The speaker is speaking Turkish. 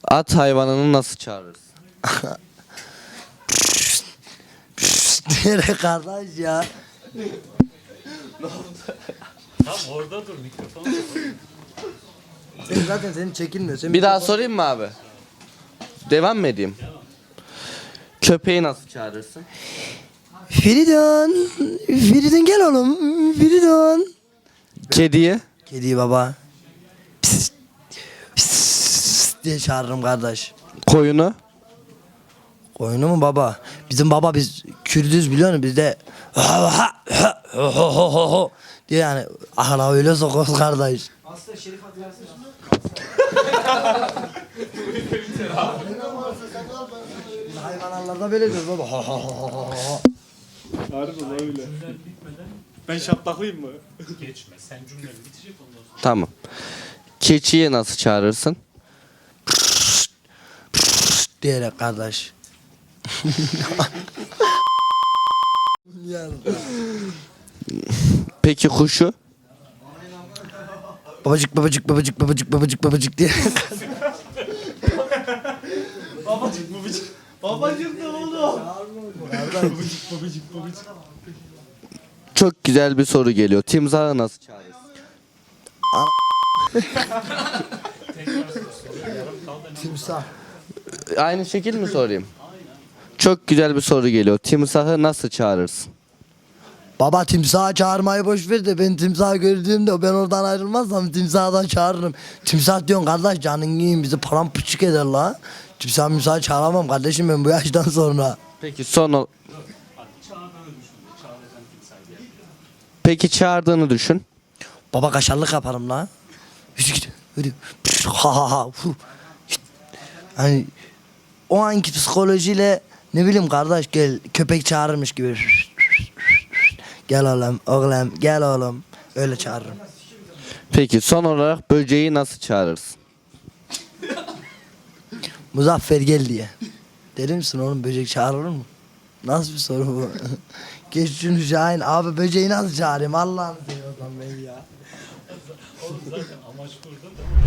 At hayvanını nasıl çağırırsın? Diyerek kardeş ya. Tam orada dur mikrofon. Sen zaten senin çekilmiyor. Sen Bir daha sorayım mı abi? Devam mı edeyim? Köpeği nasıl çağırırsın? Feridun. Feridun gel oğlum. Feridun. Kediyi? Kediyi baba. Pis, pis diye çağırırım kardeş. Koyunu? Koyunu mu baba? Bizim baba biz Kürdüz biliyor musun? Bizde diye yani ahla öyle sokuyoruz kardeş. Aslında Şerif hatırlarsın. Hayvanlarda böyle diyoruz baba. Harbiden öyle. Ben şaplaklıyım mı? Geçme. Sen cümleni bitecek ondan sonra. Tamam. Keçiyi nasıl çağırırsın? Diyerek kardeş. Peki kuşu? Babacık babacık babacık babacık babacık babacık diye. Babacık ne oldu? Çok güzel bir soru geliyor. Timsahı nasıl çağırırsın? Timsah. Aynı şekil mi sorayım? Çok güzel bir soru geliyor. Timsahı nasıl çağırırsın? Baba timsahı çağırmayı boş ver de ben timsahı gördüğümde ben oradan ayrılmazsam timsahdan çağırırım. Timsah diyorsun kardeş canın yiyin bizi paramparçık eder la. Timsahı çağıramam kardeşim ben bu yaştan sonra. Peki Peki çağırdığını düşün. Baba kaşarlık yaparım la. Yürü git. Yürü. Ha ha ha. Hani o anki psikolojiyle ne bileyim kardeş gel köpek çağırırmış gibi. Gel oğlum gel oğlum. Öyle çağırırım. Peki son olarak böceği nasıl çağırırsın? Muzaffer gel diye. Deli misin oğlum böcek çağırılır mı? Nasıl bir soru bu? Geç şunu Şahin. Abi böceği nasıl çağırayım Allah'ını seviyorsan beni ya. Oğlum zaten amaç burada da.